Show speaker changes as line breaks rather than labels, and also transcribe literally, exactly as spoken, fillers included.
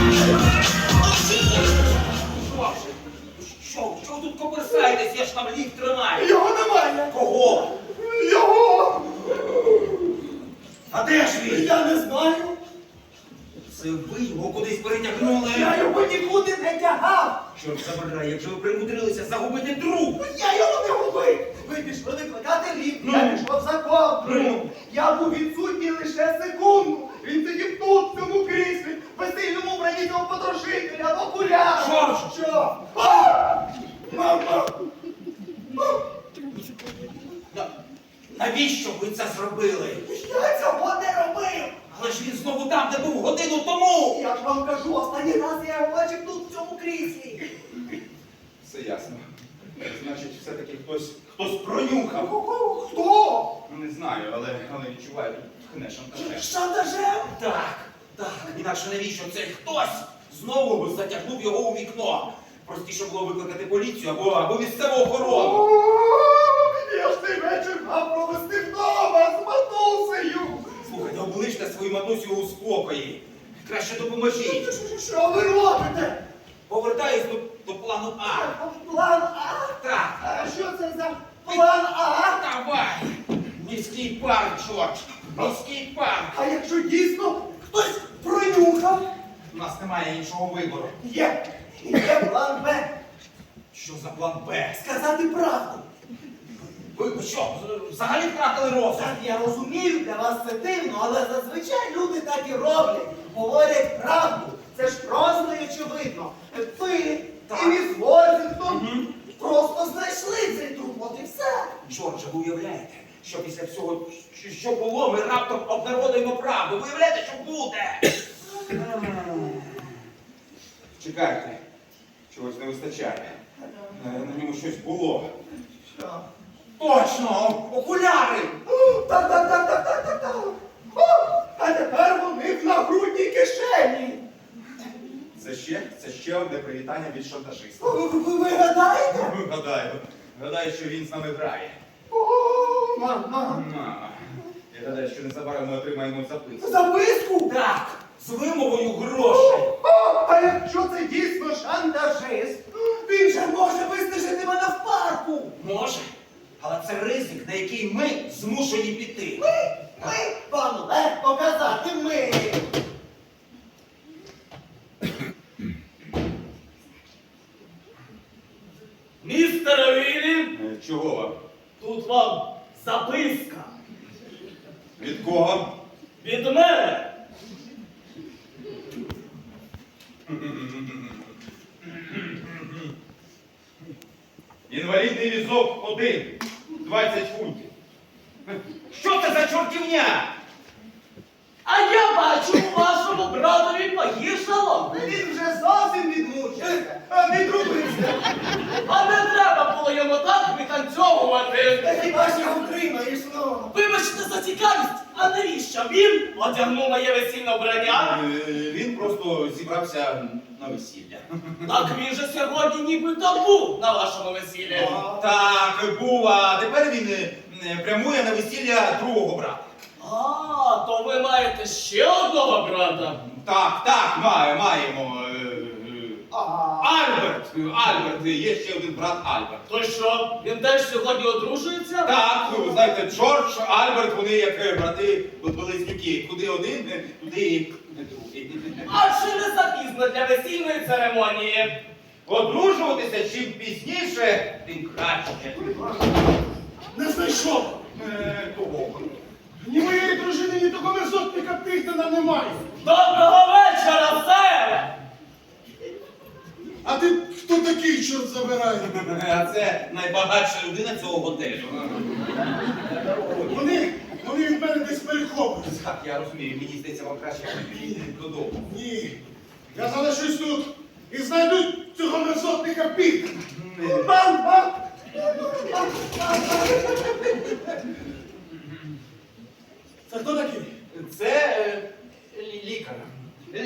Що? Що ви тут коперсаєтесь? Я ж там ліфт тримаю.
Його немає.
Кого?
Його.
А де ж він?
Я не знаю.
Це ви його кудись перетягнули?
Я його нікуди не тягав.
Чорт забирай, як же ви примудрилися загубити труп?
Я його не губив. Ви пішли викликати ліфт,
Ну.
я пішов за ковдрою.
Ну.
Я був відсутній лише секунду. Він сидів тут, в цьому кріслі, в весільному вбранні цього подорожителя, в окулярах.
Що?
Що? А! Мама!
На- Навіщо ви це зробили?
Я цього не робив.
Але ж він знову там, де був годину тому!
Я ж вам кажу, останній раз я його бачив тут, в цьому кріслі.
Все ясно. Значить, все-таки хтось, хтось пронюхав.
Хто?
Ну, не знаю, але, але відчуваю, тут тхне шантажем.
Шантажем?
Так, так, інакше навіщо цей хтось знову затягнув його у вікно? Простіше було викликати поліцію або, або місцеву охорону.
О, я ж цей вечір мав провести вдома з матусею.
Слухайте, обличте свою матусю у спокої. Краще допоможіть.
Що ви робите?
Повертаюсь до, до плану А.
План А?
Так,
А що це за план А?
давай! Міський парк, Джордж! Міський парк!
А якщо дійсно хтось пронюхав?
У нас немає іншого вибору.
Є. Є план Б.
Що за план Б?
Сказати правду.
Ви ви що, взагалі втратили розум?
Так, я розумію, для вас це дивно, але зазвичай люди так і роблять. Говорять правду. Це ж просто і очевидно. Ви
Так.
і міс Ворзінгтон
Мгм.
просто знайшли цей труп, от і все.
Джордже, ви уявляєте, що після всього, що- що було, ми раптом обнародуємо правду. Ви уявляєте, що буде?
Чекайте, чогось не вистачає. Е, На ньому щось було.
Що?
Точно! Окуляри!
О, Так, так, так, так, так, так, так. О, а тепер вони в нагрудній кишені.
Це ще, це ще одне привітання від шантажиста.
Ви, ви, ви гадаєте?
Гадаю, гадаю, що він з нами грає.
О, мама.
Мама, я гадаю, що незабаром ми отримаємо записку.
Записку?
Так, з вимовою грошей.
О, а якщо це дійсно шантажист, він же може вистежити мене в парку.
Може, але це ризик, на який ми змушені піти.
Ми, ми, вам легко казати ми.
Містере Віллі,
Е, Чого вам?
тут вам записка
Від кого?
від мене.
Інвалідний візок один, двадцять фунтів.
Що це за чортівня?
А я бачу, у вашому братові погіршало.
Він вже зовсім відмучився, а відрубився.
А не треба було йому так витанцьовувати.
Та хіба ж його втримаєш, ну?
Вибачте за цікавість, а навіщо він одягнув моє весільне вбрання?
Е, Він просто зібрався на весілля.
Так він же сьогодні нібито був на вашому весіллі.
Так, був, а тепер він е, е, прямує на весілля другого брата.
А, то ви маєте ще одного брата?
Так, так, має, маємо. е, е,
Ага.
Альберт, Альберт, є ще один брат Альберт.
То що, він теж сьогодні одружується?
Так, ну, знаєте, Джордж, Альберт, вони як е, брати близнюки. Куди один, е, туди і другий.
А чи не запізно для весільної церемонії?
Одружуватися чим пізніше, тим краще.
Не знайшов.
Е, Кого?
Ні моєї дружини, ні того мерзотника Піхтена немає.
Доброго вечора, сер!
А ти хто такий, чорт забирає?
А це найбагатша людина цього готелю.
Вони, вони від мене десь перехоплюються.
Так, я розумію, мені здається, вам краще піти додому.
Ні, я залишусь тут і знайду цього мерзотника Піхтена. Мам, мам!